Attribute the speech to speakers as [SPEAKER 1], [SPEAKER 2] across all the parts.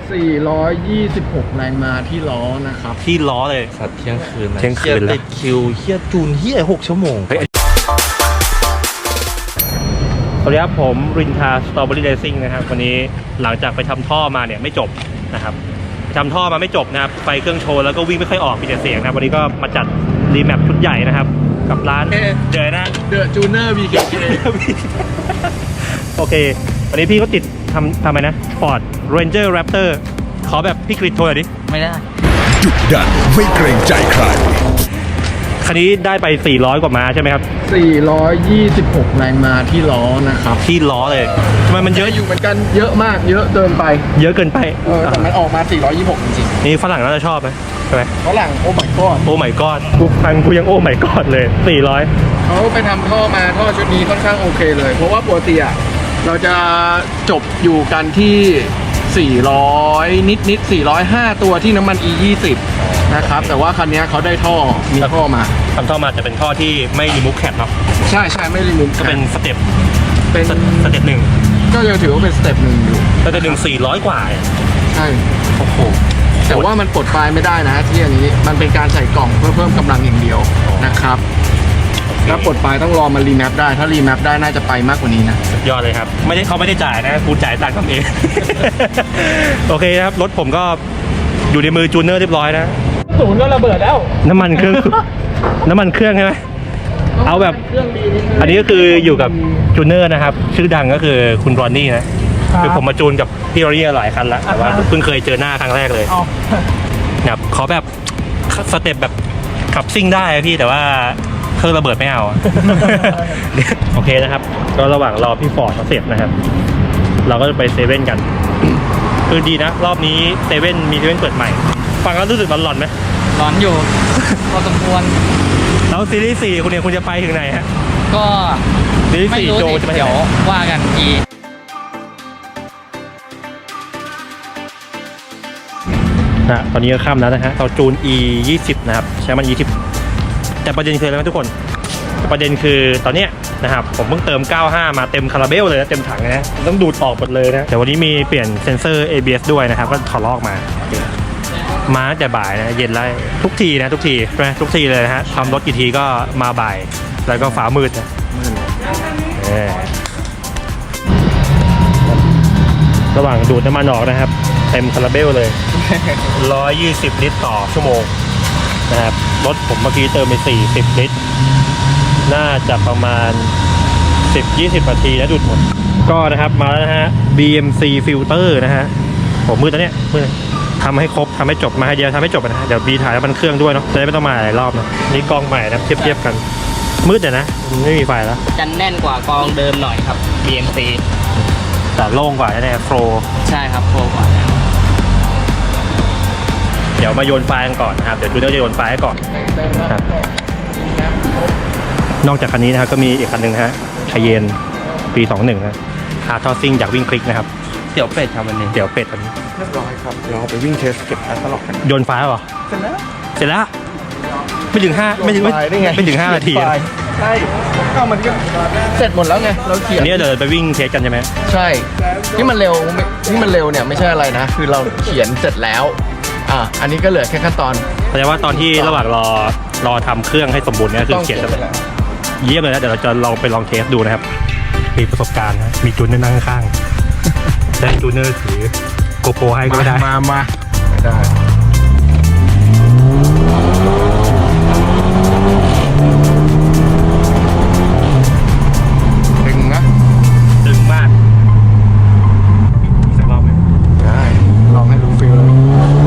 [SPEAKER 1] 426 แรงม้าที่ล้อนะครับ
[SPEAKER 2] ที่ล้อเลย
[SPEAKER 3] สัตว์เที่ยงคืน
[SPEAKER 2] เที่ยงคืนแล้ว
[SPEAKER 3] ติดคิวเฮียจูนเฮีย6 ชั่วโมง
[SPEAKER 2] สวัสดีครับผมรินทาสตรอเบอรี่เรซิ่งนะครับวันนี้หลังจากไปทำท่อมาเนี่ยไม่จบนะครับทำท่อมาไม่จบนะครับไฟเครื่องโชว์แล้วก็วิ่งไม่ค่อยออกมีแต่เสียงนะครับวันนี้ก็มาจัดรีแมปชุดใหญ่นะครับกับร้านเดอะ
[SPEAKER 1] จูเนอร์ BKK
[SPEAKER 2] โอเควันนี้พี่ก็ติดทำอะไรนะ Ford Ranger Raptor ขอแบบพี่กริดโทรหน่อยดิ
[SPEAKER 3] ไม่ได้
[SPEAKER 4] ดุดันไม่เกรงใจใคร
[SPEAKER 2] คันนี้ได้ไป400กว่าม้าใช่ไหมครับ
[SPEAKER 1] 426 แรงม้าที่ล้อนะครับ
[SPEAKER 2] ที่ล้อเลยทำไมมันเยอะ
[SPEAKER 1] อยู่เหมือนกันเยอะมากเยอะเกินไป
[SPEAKER 2] เยอะเกินไป
[SPEAKER 1] แต่มันออกมา426จริง
[SPEAKER 2] ๆนี่ฝรั่งน่าจะชอบไหมใช่ไหม
[SPEAKER 1] ฝรั่งโอ้ my god
[SPEAKER 2] โอ้ my god กูฟังกูยังโอ้ my god เลย400
[SPEAKER 1] เขาไปทำท่อมาท่อชุดนี้ค่อนข้างโอเคเลยเพราะว่าปกติอะเราจะจบอยู่กันที่400นิด405ตัวที่น้ำมัน E20 นะครับแต่ว่าคันนี้เขาได้ท่อมีท่อมา
[SPEAKER 2] ทำท่อมาจะเป็นท่อที่ไม่รีมูฟแคปเนาะ
[SPEAKER 1] ใช่ไม่รีมูฟ
[SPEAKER 2] ก็เป็นสเต็ปหนึ่ง
[SPEAKER 1] ก็ยังถือว่าเป็นสเต็ปหนึ่งอยู่
[SPEAKER 2] สเต็ปหนึ่ง400กว่า
[SPEAKER 1] ใช่
[SPEAKER 2] โอ้โห
[SPEAKER 1] แต่ว่ามันปลดไฟล์ไม่ได้นะที่อันนี้มันเป็นการใส่กล่องเพื่อเพิ่มกำลังอย่างเดียวนะครับถ้าปลดไฟล์ต้องรอมันรีแมปได้ถ้ารีแมปได้น่าจะไปมากกว่านี้นะ
[SPEAKER 2] ยอดเลยครับเขาไม่ได้จ่ายนะกูจ่ายตังค์ทำเอง โอเคครับรถผมก็อยู่ในมือจูเนอร์เรียบร้อยนะ
[SPEAKER 1] ศูนย์ก็ระเบิดแล้ว
[SPEAKER 2] น้ำมันเครื่องใช่ไหมเอาแบบอันนี้ก็คืออยู่กับจูเนอร์นะครับชื่อดังก็คือคุณรอนนี่นะคือผมมาจูนกับพี่รอนนี่หลายคันแล้วแต่ว่าเพิ่งเคยเจอหน้าครั้งแรกเลยแบบขอแบบสเต็ปแบบขับซิ่งได้พี่แต่ว่าเครื่องระเบิดไม่เอา โอเคนะครับก็ระหว่างรอพี่ฟอร์ดเขาเสร็จนะครับเราก็จะไปเซเว่นกันคือดีนะรอบนี้เซเว่นมีเซเว่นเปิดใหม่ฟังแล้วรู้สึกร้อนไหม
[SPEAKER 3] ร้อนอยู่พอสมควร
[SPEAKER 2] แล้วซีรีส์4คุณจะไปถึงไหนฮะ
[SPEAKER 3] ก็
[SPEAKER 2] ซีรีส์4โจจะไป
[SPEAKER 3] เดี๋ยวว่ากันอีก
[SPEAKER 2] นะตอนนี้ก็ค่ำแล้วนะฮะเราจูน E20 นะครับใช้มัน E20 แต่ประเด็นคืออะไรไหมทุกคนประเด็นคือตอนเนี้ยนะครับผมเพิ่งเติม95มาเต็มคาราเบลเลยนะเต็มถังนะต้องดูดออกหมดเลยนะแต่วันนี้มีเปลี่ยนเซ็นเซอร์ ABS ด้วยนะครับก็ถอดลอกมาแต่บ่ายนะเย็นไล่ทุกทีนะทุกทีเลยนะฮะทำรถกี่ทีก็มาบ่ายแล้วก็ฟ้ามืดนะระหว่างดูดน้ำมันออกนะครับเต็มคาราเบลเลย 120 ลิตรต่อชั่วโมงนะครับรถผมเมื่อกี้เติมไป40 ลิตรน่าจะประมาณ 10-20 นาทีนะดูดหมดก็นะครับมาแล้วนะฮะ BMC filter นะฮะผมมือตอนเนี้ยมือทำให้ครบทำให้จบมาให้เดียวทำให้จบนะเดี๋ยวบีถ่ายแล้วมันเครื่องด้วยเนาะจะได้ไม่ต้องมาหลายรอบนะนี่กองใหม่นะเทียบกันมืดเดี๋ยวนะไม่มีไฟแล้ว
[SPEAKER 3] จะแน่นกว่ากองเดิมหน่อยครับ BMC
[SPEAKER 2] แต่โล่งกว่าแน่ๆโฟร์
[SPEAKER 3] ใช่ครับโฟร์กว่า
[SPEAKER 2] เดี๋ยวมาโยนไฟกันก่อนนะครับเดี๋ยวจูเนอร์จะโยนไฟให้ก่อนครับนอกจากคันนี้นะครับก็มีอีกคันหนึ่งฮะชายเยนปี21นะคาร์ทอซิ่งจากวิ่งคลิกนะครับ
[SPEAKER 3] เตี๋ยวเป็ดครับวันนี้
[SPEAKER 2] เตี๋ยวเป็ดอันนี้
[SPEAKER 1] เรียบร้อยครับเราไปวิ่งเทสเก็บแอสตลอดกัน
[SPEAKER 2] โยนไฟเหรอเสร็จแล้วไม่ถึง5นาที
[SPEAKER 1] ใช่ก็มันก็เสร็จหมดแล้วไงเราเขียน
[SPEAKER 2] อันนี้เดี๋ยวไปวิ่งเทสกันใช่ไหม
[SPEAKER 1] ใช่ที่มันเร็วเนี่ยไม่ใช่อะไรนะคือเราเขียนเสร็จแล้วอันนี้ก็เหลือแค่ขั้นตอน
[SPEAKER 2] แสดงว่าตอนที่ระหว่างรอทำเครื่องให้สมบูรณ์เนี่ยคือเขียนแล้วเยี่ยมเลยนะเดี๋ยวเราจะลองเทสดูนะครับมีประสบการณ์นะมีจูนเนอร์นั่งข้างได้จูนเนอร์ถือโกโปรให้ก็ได้
[SPEAKER 1] มาไม่ได้
[SPEAKER 2] ดึงมากสักรอบไหม
[SPEAKER 1] ได้ลองให้ดูฟิลเลย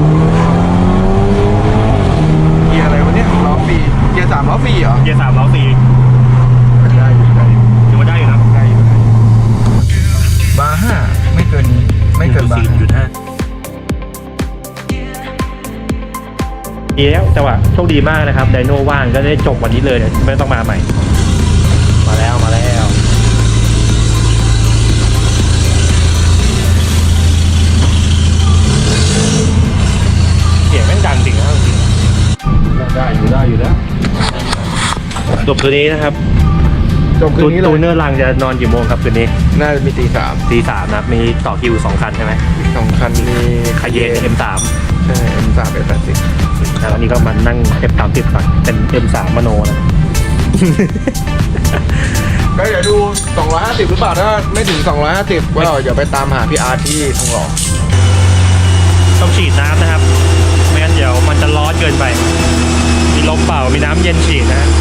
[SPEAKER 1] เกียร์อะไรวะเนี่ยล้อฟรีเกียร์3ล้อฟรีเหรอ
[SPEAKER 2] เกียร์3ล้อฟรี
[SPEAKER 1] ได้อยู่
[SPEAKER 2] ถือว่าได้อยู่นะ
[SPEAKER 1] ได้อยู่บาร์5ไม่เกินบาร์
[SPEAKER 2] 4.5ดีแล้วจังหวะโชคดีมากนะครับไดโน่ว่างก็ได้จบวันนี้เลยไม่ต้องมาใหม่มาแล้วเสียงแม่งดังจริงนะจริง
[SPEAKER 1] ได้อยู่แล้ว
[SPEAKER 2] จบตัวนี้นะครับ
[SPEAKER 1] จบคืนนี้เล
[SPEAKER 2] ตู
[SPEAKER 1] ย
[SPEAKER 2] เนอร์ลังจะนอนกี่โมงครับคืนนี้
[SPEAKER 1] น่าจะมีตี 3
[SPEAKER 2] ตีสามนะครับมีต่อคิว2 คันใช่ไหม
[SPEAKER 1] อีก2 คันมี
[SPEAKER 2] คาเยน M3
[SPEAKER 1] ใช่ M3 F80
[SPEAKER 2] แล้วอันนี้ก็มานั่ง F30 ก่อนเป็น M3 มโนนะ
[SPEAKER 1] ก็เดี๋ยวดู 250 หรือเปล่าถ้าไม่ถึง 250ก็เดี๋ยวไปตามหาพี่อาร์ตที่ทองหล่อ
[SPEAKER 2] ต้องฉีดน้ำนะครับไม่งั้นเดี๋ยวมันจะร้อนเกินไป มีลมเปล่ามีน้ำเย็นฉีดนะฮะ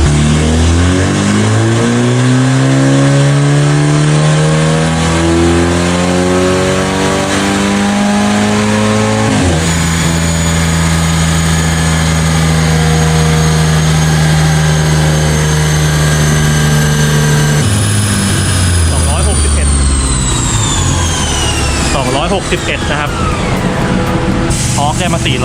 [SPEAKER 2] 261นะครับทอร์กได้มา424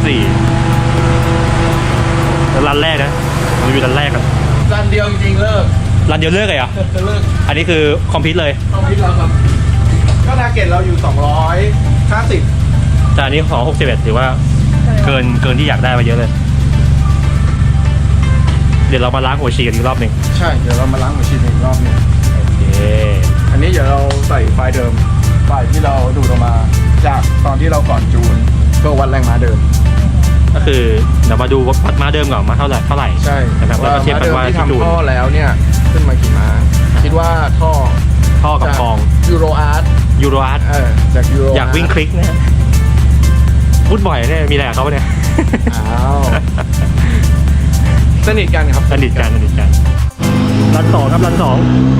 [SPEAKER 2] แล้วรันแรกนะผมอยู่รันแรกกัน
[SPEAKER 1] รันเดียวจริงๆเลิก
[SPEAKER 2] รันเดียวเลิกเลยเหรอ
[SPEAKER 1] เลิก
[SPEAKER 2] อันนี้คือคอมพิวต์เลย
[SPEAKER 1] ต้องพิดเราครับก็ทาร์เก็ตเราอยู่250
[SPEAKER 2] แต่อันนี้261ถือว่าเกินที่อยากได้มาเยอะเลย เดี๋ยวเรามาล้างหัวฉีดกันอีกรอบหนึ่ง
[SPEAKER 1] ใช่เดี๋ยวเรามาล้างหัวฉีดอีกรอบหนึง
[SPEAKER 2] โอเค
[SPEAKER 1] อันนี้เดี๋ยวเราใส่ไฟล์เดิมไฟล์ที่เราดูดออกมาจากตอนที่เราก่อนจูนก็วัดแรงม้าเดิม
[SPEAKER 2] ก็คือเดี๋ยวมาดูวัดม้าเดิมก่อนมาเท่าไหร่
[SPEAKER 1] ใช่
[SPEAKER 2] นะครับแล้วก็เทียบกันว่า
[SPEAKER 1] ที่
[SPEAKER 2] ที่จูน
[SPEAKER 1] ทำท่อแล้วเนี่ยขึ้นมากี่ม้าคิดว่าท่อ
[SPEAKER 2] กับกอง
[SPEAKER 1] ยูโรอาร์ต
[SPEAKER 2] ยูโรอาร์ต
[SPEAKER 1] จากยูโร
[SPEAKER 2] อยากวิ่งคลิกนะฮะพูดบ่อยเนี่ยมีอะไรกับเขาปะเนี่ย
[SPEAKER 1] อ้าวสนิทกันครับ
[SPEAKER 2] สนิทกันรัน 2ครับรัน 2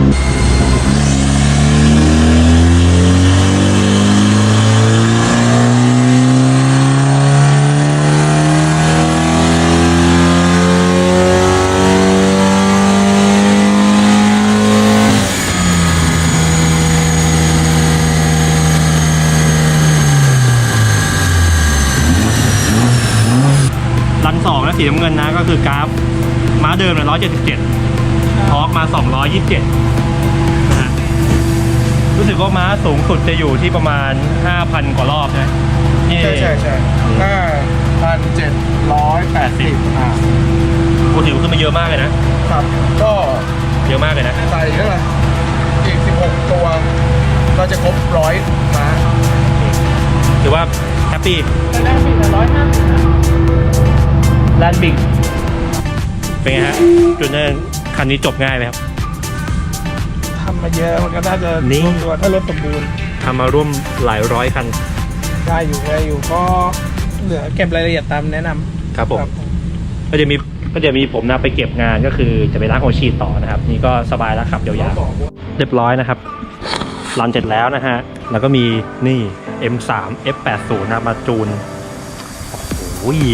[SPEAKER 2] รัน 2นะสีน้ำเงินนะก็คือกราฟม้าเดิม177ทอร์กมา227นะฮะรู้สึกว่าม้าสูงสุดจะอยู่ที่ประมาณ 5,000 กว่ารอบนะนี่
[SPEAKER 1] ใช่5,780
[SPEAKER 2] โอ้ถือว่าขึ้นมาเยอะมากเลยนะครับ
[SPEAKER 1] ก็
[SPEAKER 2] เยอะมากเลยนะ
[SPEAKER 1] ใส่เท่าไหร่อีก16 ตัวเราจะครบ100 ม้า
[SPEAKER 2] ถือว่าแฮปปี้แลนด์บิกเป็นไงฮะจูเนอร์คันนี้จบง่ายไหมครับ
[SPEAKER 5] ทำมาเยอะมันก็น่าจะ
[SPEAKER 2] นี่
[SPEAKER 5] รวมตัวถ้ารถสมบูรณ์
[SPEAKER 2] ทำมาร่วมหลายร้อยคัน
[SPEAKER 5] ได้อยู่ก็เหลือเก็บรายละเอียดตามแนะนำ
[SPEAKER 2] ครับผม ก็จะมีผมนะไปเก็บงานก็คือจะไปล้างหัวฉีดต่อนะครับ นี่ก็สบายแล้วขับยาวๆเรียบร้อยนะครับรันเสร็จแล้วนะฮะแล้วก็มีนี่ M3 F80 นะมาจูนโอ้โห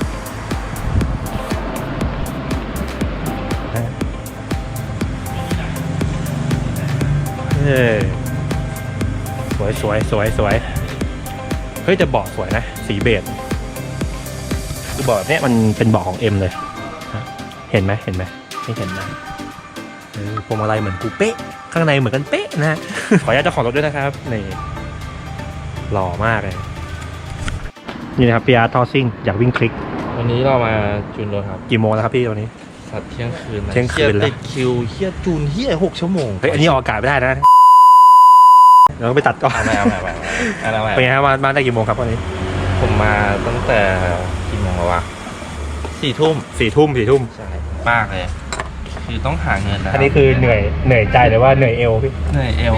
[SPEAKER 2] สวยเฮ้ยแต่เบาะสวยนะสีเบจคือเบาะเนี้ยมันเป็นเบาะของ M เลยเห็นไหมไม่เห็นนะพวงมาลัยเหมือนกูเป๊ะข้างในเหมือนกันเป๊ะนะ ขออนุญาตเจ้าของรถด้วยนะครับนี่หล่อมากเลยนี่นะครับพี่อาร์ตทอซิ่งอยากวิ่งคลิก
[SPEAKER 3] วันนี้เรามาจูนรถครับ
[SPEAKER 2] กี่โมงแล้วครับพี่ตอนนี้
[SPEAKER 3] สัตว์เที่ยงคืนนะ
[SPEAKER 2] เที่ยงคืนแล้ว
[SPEAKER 3] ติดคิวเฮียจูนเฮีย6 ชั่วโมง
[SPEAKER 2] เฮ้ยอันนี้ออกอากาศไม่ได้นะเราต้องไปตัดก่อน
[SPEAKER 3] เอาใหม่
[SPEAKER 2] เป็นไงครับมาได้กี่โมงครับวันนี้
[SPEAKER 3] ผมมาตั้งแต่กี่โมงแล้ววะ4 ทุ่ม
[SPEAKER 2] 4 ทุ่ม
[SPEAKER 3] ใช่มากเลย คือต้องหาเงินนะ
[SPEAKER 2] อันนี้คือเหนื่อยใจหรือว่าเหนื่อยเอวพี่
[SPEAKER 3] เหนื่อยเอว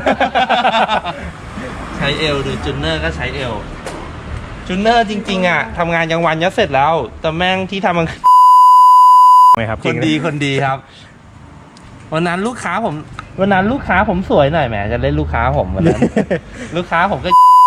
[SPEAKER 3] ใช้เอวหรือจูนเนอร์ก็ใช้เอวจูนเนอร์จริงๆอ่ะทำงานกลางวันยัดเสร็จแล้ว แต่แม่งที่ทำมัน
[SPEAKER 2] ไหมครับ
[SPEAKER 3] คนดีครับ วันนั้นลูกค้าผมสวยหน่อยแหมจะเล่นลูกค้าผมวันนั้น ลูกค้าผมก็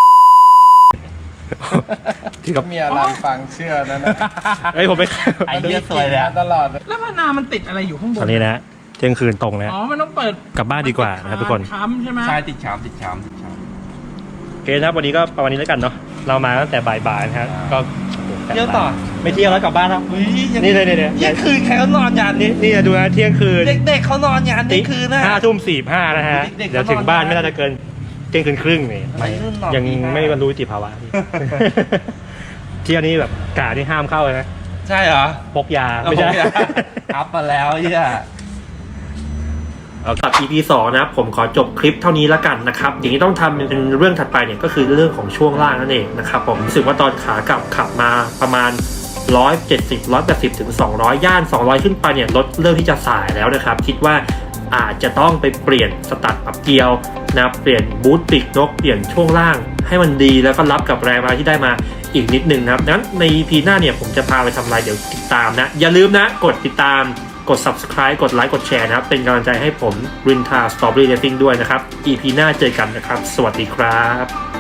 [SPEAKER 2] ที่กับ
[SPEAKER 1] เมียรันฟังเชื่อนะ
[SPEAKER 2] เฮ้ยผมไป
[SPEAKER 3] ไอ้เหี้ยสวยเลยอะ
[SPEAKER 1] ตลอด
[SPEAKER 5] แล้วพนามันติดอะไรอยู่ข้างบ
[SPEAKER 2] ตอน นนี้นะเที่ยงคืนตรงนะ
[SPEAKER 5] อ๋อมันต้องเปิด
[SPEAKER 2] กลับบ้านดีกว่านะครับทุกคน
[SPEAKER 5] ค้ำใช่ไหม
[SPEAKER 3] ใช่ติดชาม
[SPEAKER 2] โอเคนะครับวันนี้ก็ประมาณนี้แล้วกันเนาะเรามาตั้งแต่บ่ายๆนะครับก็
[SPEAKER 3] เที่ยวต่อ
[SPEAKER 2] ไม่เที่ยวแล้วกลับบ้านแล้ว
[SPEAKER 3] อุ้ย
[SPEAKER 2] นี่เลย
[SPEAKER 3] เที่ยงคืนใครเขานอนยานนี้
[SPEAKER 2] นี่ดูนะเที่ยงคืน
[SPEAKER 3] เด็กๆเขานอนยานเที่ยงคืนนะ
[SPEAKER 2] 5 ทุ่ม 45นะฮะ
[SPEAKER 3] เด็กๆ
[SPEAKER 2] เดี๋ยวถึงบ้านไม่น่าจะเกินเที่ยงคืนครึ่งนี่
[SPEAKER 3] วัยรุ่นนอน
[SPEAKER 2] ยัง
[SPEAKER 3] ตีห้า
[SPEAKER 2] ไม่บรรลุนิติภาวะพี่ เที่ยวนี้แบบกาที่ห้ามเข้าเลยนะ
[SPEAKER 3] ใช่เหรอ
[SPEAKER 2] พกยาไม่ใช่
[SPEAKER 3] อัพมาแล้วเฮีย
[SPEAKER 2] เอากับ EP 2นะครับผมขอจบคลิปเท่านี้แล้วกันนะครับอย่างนี้ต้องทำเป็นเรื่องถัดไปเนี่ยก็คือเรื่องของช่วงล่างนั่นเองนะครับผมรู้สึกว่าตอนขากลับขับมาประมาณ170 180ถึง200ย่าน200ขึ้นไปเนี่ยรถเริ่มที่จะสายแล้วนะครับคิดว่าอาจจะต้องไปเปลี่ยนสตาร์ทปรับเกียร์นะเปลี่ยนบูทปีกนกเปลี่ยนช่วงล่างให้มันดีแล้วก็รับกับแรงมาที่ได้มาอีกนิดนึงนะครับดังนั้นใน EP หน้าเนี่ยผมจะพาไปทำอะไรเดี๋ยวติดตามนะอย่าลืมนะกดติดตามกด subscribe กดไลค์กดแชร์นะครับเป็นกำลังใจให้ผมรินทา Strawberry Racing ด้วยนะครับ EP หน้าเจอกันนะครับสวัสดีครับ